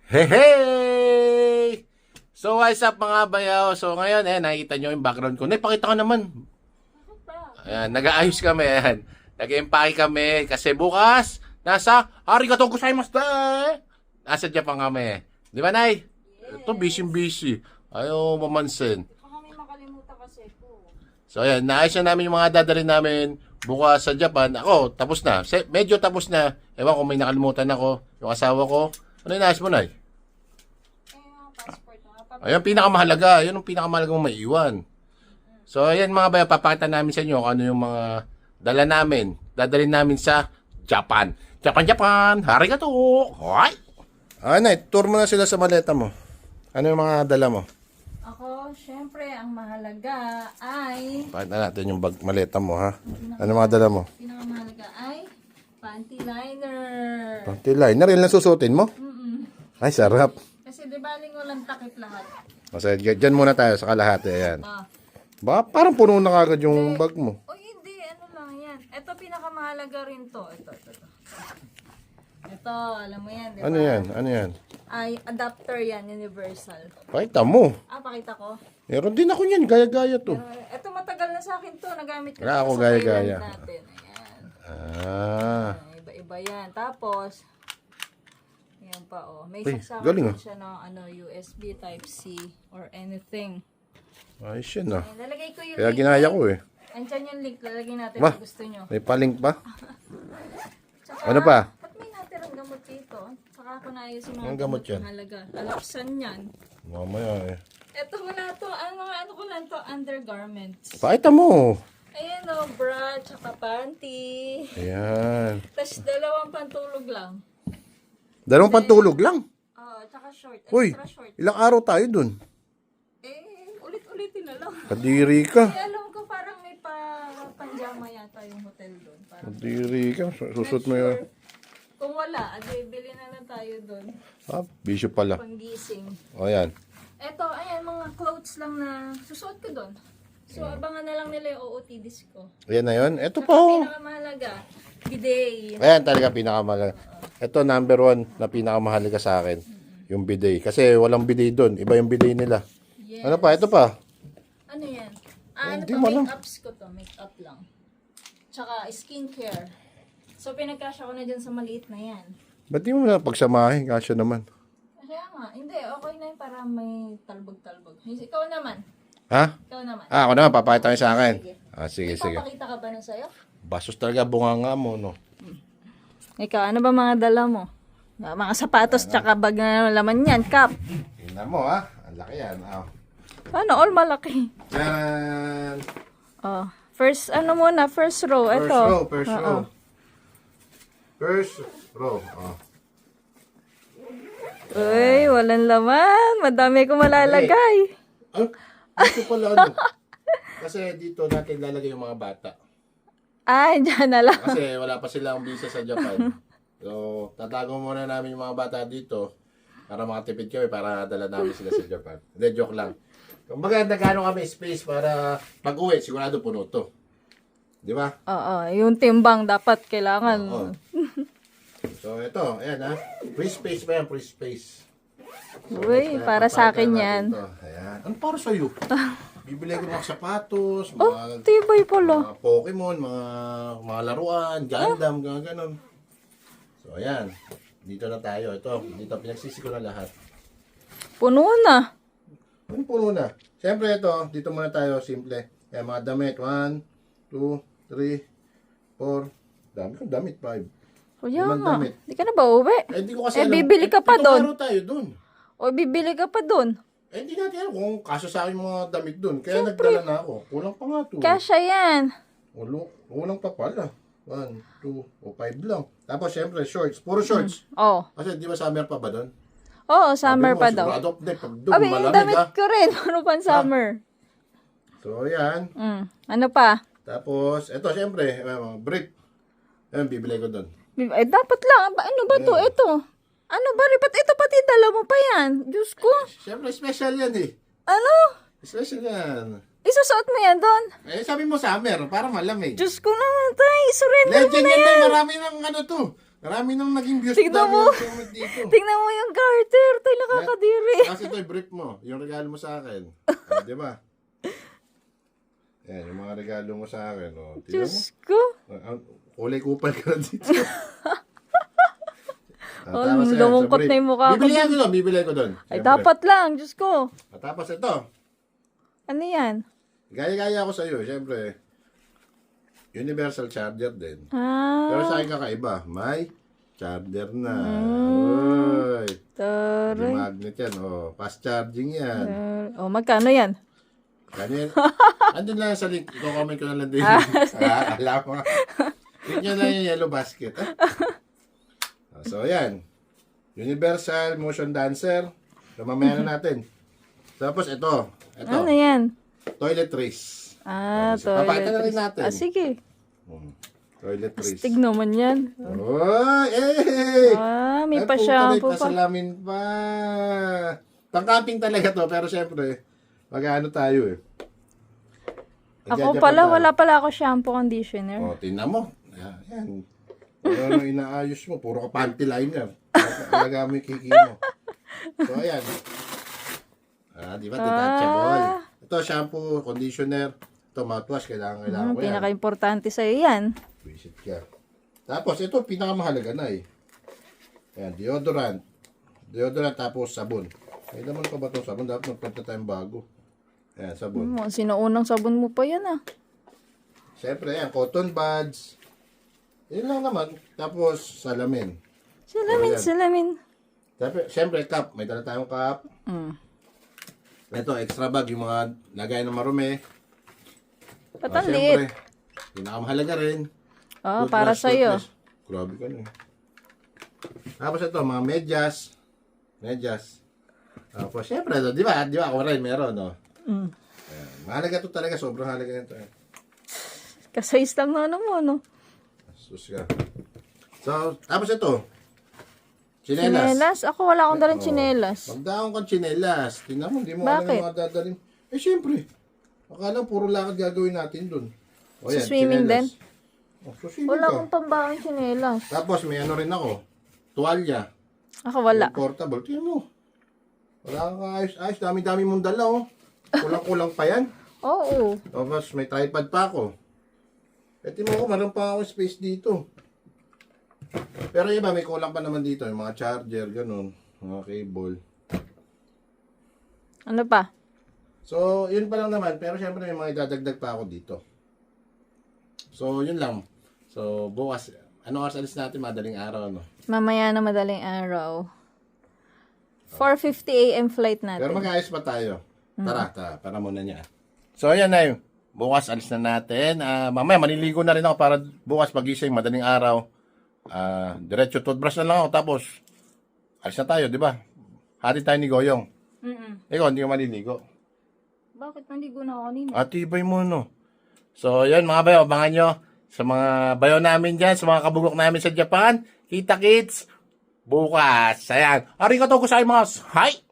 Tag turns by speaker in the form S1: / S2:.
S1: Hey, hey! So, what's up mga bayaw? So, ngayon, nakikita nyo yung background ko. Pakita ko naman. Ayan, nag-aayos kami. Ayan. Nag-empake kami kasi bukas, nasa arigatou gozaimasu da! Nasa Japan kami. Di ba, Nay?
S2: Yes.
S1: Ito, busy-busy. Ayaw mamansin.
S2: Baka kami makalimutan kasi po.
S1: So, ayan, naayos na namin yung mga dadalhin namin bukas sa Japan. Ako, tapos na. Medyo tapos na. Ewan kung may nakalimutan ako. Yung asawa ko. Ano yung naayos mo, Nay?
S2: Mga passport na.
S1: Ayan, pinakamahalaga. Yun ang pinakamahalaga mong maiwan. So, ayan mga bayo, papakita namin sa inyo kung ano yung mga dala namin. Dadalhin namin sa Japan. Japan! Arigato! Hoy! Nay, tour mo na sila sa maleta mo. Ano yung mga dala mo?
S2: Ako, syempre, ang mahalaga ay...
S1: Pakita natin yung maleta mo, ha? Ano mga dala mo?
S2: Pinakamahalaga ay panty liner.
S1: Panty liner, yun lang susutin mo? Ay, sarap.
S2: Kasi di ba walang takip lahat?
S1: Kasi dyan muna tayo sa kalahati, ayan.
S2: Ah.
S1: Ba, parang puno na kagad yung bag mo.
S2: O hindi, ano lang yan. Ito pinakamahalaga rin to. Ito. Ito, alam mo yan, di ba?
S1: Ano yan? Ano yan?
S2: Ay, adapter yan, universal.
S1: Pakita mo.
S2: Pakita ko.
S1: Meron din ako yan, gaya-gaya to.
S2: Ito matagal na sa akin to. Nagamit ko
S1: Wala
S2: to
S1: ako
S2: sa
S1: gaya-gaya.
S2: Thailand natin. Ayan.
S1: Ah.
S2: Iba-iba yan. Tapos, yan pa oh. May
S1: Uy,
S2: sasama
S1: galing,
S2: din siya ng USB Type-C or anything.
S1: Ayos yan, ah.
S2: Ayan, lalagay ko yung
S1: Kaya
S2: link.
S1: ginaya ko, eh.
S2: Andyan yung link. Lalagay natin
S1: Ba?
S2: kung gusto nyo.
S1: May palink pa?
S2: Tsaka,
S1: Ano pa?
S2: ba't may natirang gamot dito? Saka ako naayos yung mga
S1: Anong gamot yan?
S2: Halaga. Talapsan yan.
S1: Mamaya, eh.
S2: Ito wala to. Mga ano ko lang to. Undergarments.
S1: Pakita mo.
S2: Ayan o. Bra. Tsaka panty.
S1: Ayan.
S2: Tapos dalawang pantulog lang.
S1: Dalawang pantulog lang.
S2: Tsaka short.
S1: Uy,
S2: Extra short.
S1: ilang araw tayo dun?
S2: Ulit-ulitin na lang.
S1: Kadiri ka.
S2: Alam ko parang may panjama yata yung hotel doon. Parang
S1: Kadiri ka. Susot mo yun.
S2: kung wala, bili na lang tayo doon.
S1: Ah, bisyo pala.
S2: Panggising.
S1: O, ayan.
S2: Eto, ayan, mga clothes lang na susuot ko doon. So, abangan na lang nila yung OOTDs ko.
S1: Ayan na yun. Ito pa,
S2: Saka
S1: oh.
S2: pinakamahalaga, bidet.
S1: Ayan talaga pinakamahalaga. Ito, number 1 na pinakamahalaga sa akin. Yung bidet. Kasi walang bidet doon. Iba yung bidet nila.
S2: Yes.
S1: Ano pa? Ito pa.
S2: Ano yan? Ano
S1: Hindi
S2: to?
S1: mo alam.
S2: Make-ups ko to. Make-up lang. Tsaka skincare. So, pinagkasya ko na dyan sa maliit na yan.
S1: Ba't di mo na pagsamahin? Kasya naman.
S2: Kaya nga, hindi, okay na yun para may talbog-talbog. Ikaw naman.
S1: Ha?
S2: Ikaw naman.
S1: Ako naman, papakita kayo sa akin.
S2: Sige.
S1: Sige, sige.
S2: Papakita ka ba na sa'yo?
S1: Basos talaga bunganga mo, no?
S2: Ikaw, ano ba mga dala mo? Mga sapatos tsaka bag na laman yan, cup.
S1: Tingnan mo, ha? Ang laki yan. Oh.
S2: Ano, all malaki.
S1: Yan!
S2: Oh, first, ano muna, first row,
S1: First
S2: ito.
S1: row, first
S2: Oo.
S1: row. First row. Oh.
S2: Uy, walang laman. Madami ko malalagay.
S1: Dito pala, ano? Kasi dito natin lalagay yung mga bata.
S2: Ay, dyan na lang.
S1: Kasi wala pa silang visa sa Japan. So, tatago muna namin yung mga bata dito para makatipid kami para dala namin sila sa Japan. Hindi, joke lang. Kumbaga, nagano kami space para pag-uwi, sigurado puno to. Di ba?
S2: Oo, yung timbang dapat kailangan.
S1: Oo. So, ito, ayan ha. Free space pa yan, free space.
S2: Uy, para sa akin yan.
S1: Ito. Ayan. Ano para sa'yo? Bibili ko ng mga sapatos,
S2: Oh,
S1: mga,
S2: tibay pala.
S1: mga Pokemon, mga laruan, Gundam, mga ganon. So, ayan. Dito na tayo. Ito, dito, pinagsisi ko na lahat.
S2: Puno na.
S1: Ano puno na? Siyempre ito, dito muna tayo, simple. Ayan, mga damit. 1, 2, 3, 4. Dami kong damit, 5.
S2: Kuya
S1: Limang
S2: nga.
S1: damit.
S2: Di ka na ba uwi?
S1: Eh, hindi ko kasi alam.
S2: bibili ka pa
S1: pitong
S2: doon.
S1: araw tayo doon.
S2: O, bibili ka pa dun.
S1: Eh, hindi natin alam kung kaso sa akin yung mga damit doon. Kaya nagdala na ako. Kulang pa nga to.
S2: Kasya yan.
S1: Kulang pa pala. 1, 2, o 5 lang. Tapos, syempre, shorts. Puro shorts.
S2: Oh.
S1: Kasi, di ba summer pa ba doon?
S2: Oo, summer
S1: Sabi mo,
S2: pa daw.
S1: sigurado, hindi, pag doon,
S2: Abi, yung
S1: malamig
S2: damit
S1: ha.
S2: ko rin. Ano pang summer?
S1: So, yan.
S2: Ano pa?
S1: Tapos, eto, syempre, brief. Ayan, bibili ko doon.
S2: Eh, dapat lang. Ano ba to? Ito. Ano ba? Ba't ito pati dala mo pa yan? Diyos ko.
S1: Syempre, special yan eh.
S2: Ano?
S1: Special yan.
S2: Isusuot mo yan doon?
S1: Eh, sabi mo summer, para malamig.
S2: Diyos ko naman tayo. Surrender mo
S1: Legend
S2: na
S1: yan
S2: yan.
S1: tayo, marami ng ano to. Marami nang naging views
S2: Tignan
S1: dami
S2: mo.
S1: ang comment dito.
S2: Tingnan mo yung garter. Tayo nakakadiri.
S1: Kasi ito, brief mo. Yung regalo mo sa akin. Ah, di ba? Yan, yung mga regalo mo sa akin. Oh. Tignan mo.
S2: Diyos ko.
S1: Kulay kupal ka na dito.
S2: Oh, lumungkot na yung mukha ko.
S1: Bibili ko doon.
S2: Ay, dapat lang. Diyos ko.
S1: Tapos ito.
S2: Ano yan?
S1: Gaya-gaya ako sa iyo, syempre. Universal charger din.
S2: Ah.
S1: Pero sa akin kakaiba, may charger na. Uy. May
S2: Taray.
S1: magnet yan. Oh, fast charging yan.
S2: Oh, magkano yan?
S1: Ganyan. Andun lang sa link. I-comment ko na lang din. Alam mo. Click nyo lang yung yellow basket. So, yan. Universal motion dancer. So, mamaya na natin. Tapos, ito.
S2: Ano yan?
S1: Toiletries.
S2: Ah,
S1: Papakita na rin natin.
S2: Ah, sige.
S1: Toiletries.
S2: Astig naman yan.
S1: Oh, eh!
S2: Ah, may
S1: Ay,
S2: pa
S1: puta,
S2: shampoo
S1: may
S2: pa.
S1: pasalamin pa. Pang-camping talaga to, pero syempre, mag-ano tayo eh.
S2: Ako
S1: Magja-Japan
S2: pala,
S1: tayo.
S2: wala pala ako shampoo conditioner.
S1: Oh, tingnan mo. Yan. Ano inaayos mo? Puro ka panty liner. Talaga mo yung kiki mo. So, ayan. Di ba? Detachable. Ito, shampoo, conditioner. Ito, mouthwash. Kailangan ko yan.
S2: Pinaka-importante sa'yo yan.
S1: Visit ka. Tapos, ito, pinakamahalaga na eh. Ayan, deodorant. Deodorant, tapos sabon. May naman pa ba itong sabon? Dapat magpunta tayong bago. Ayan, sabon.
S2: Sinuunang sabon mo pa yan ah.
S1: Siyempre, ayan, cotton buds. Yun lang naman. Tapos, salamin.
S2: Salamin,
S1: Ayan.
S2: salamin.
S1: Siyempre, cup. May dala tayong cup. Ito, extra bag. Yung mga lagay ng marumi.
S2: Ba't ang liit?
S1: Siyempre, pinakamahalaga rin.
S2: Oh,
S1: Toothbrush,
S2: para sa'yo.
S1: toothbrush. Grabe ka na. Tapos ito, mga medyas. Medyas. Tapos, siyempre, di ba? Di ba? Ako rin, meron, no? Ayan. Mahalaga to talaga. Sobrang halaga nito.
S2: Kasayis lang na ano mo, no?
S1: Sus ka. So, tapos ito. Chinelas.
S2: Chinelas? Ako wala akong dalang chinelas.
S1: Magdaong kang chinelas. Tingnan mo, hindi mo
S2: Bakit?
S1: alam yung mga dadalhin. Eh, siyempre. Akala puro lakad gagawin natin dun. O,
S2: Sa swimming
S1: chinelas. So, swimming
S2: Wala
S1: ka.
S2: akong pambaong chinelas.
S1: Tapos, may ano rin ako. Tuwalya.
S2: Ako wala.
S1: Yung portable. Tingnan mo. Wala kang ayos. Dami-dami mong dala, oh. Kulang-kulang pa yan.
S2: Oo.
S1: Tapos, may tripod pa ako. Eh, tingnan mo, meron pa ako space dito. Pero iba, may kulang pa naman dito. Yung mga charger, ganun. Mga cable.
S2: Ano pa?
S1: So, yun pa lang naman. Pero syempre, may mga idadagdag pa ako dito. So, yun lang. So, bukas, ano oras alis natin? Madaling araw, no?
S2: Mamaya na madaling araw. 4:50 a.m. flight natin.
S1: Pero mag-ayos pa tayo. Tara. Para muna niya. So, ayan na yun. Bukas, alis na natin. Mamaya, maniligo na rin ako para bukas pagising, madaling araw. Diretso toothbrush na lang ako. Tapos, alis na tayo, di ba? Hati tayo ni Goyong. Ikaw, hindi ka maliligo.
S2: Bakit naligo na ako kanina?
S1: Atibay mo, no? So, yan mga bayo, abangan nyo sa mga bayo namin dyan, sa mga kabugok namin sa Japan. Kita kits, bukas. Ayan. Arigatou gozaimasu. Hi!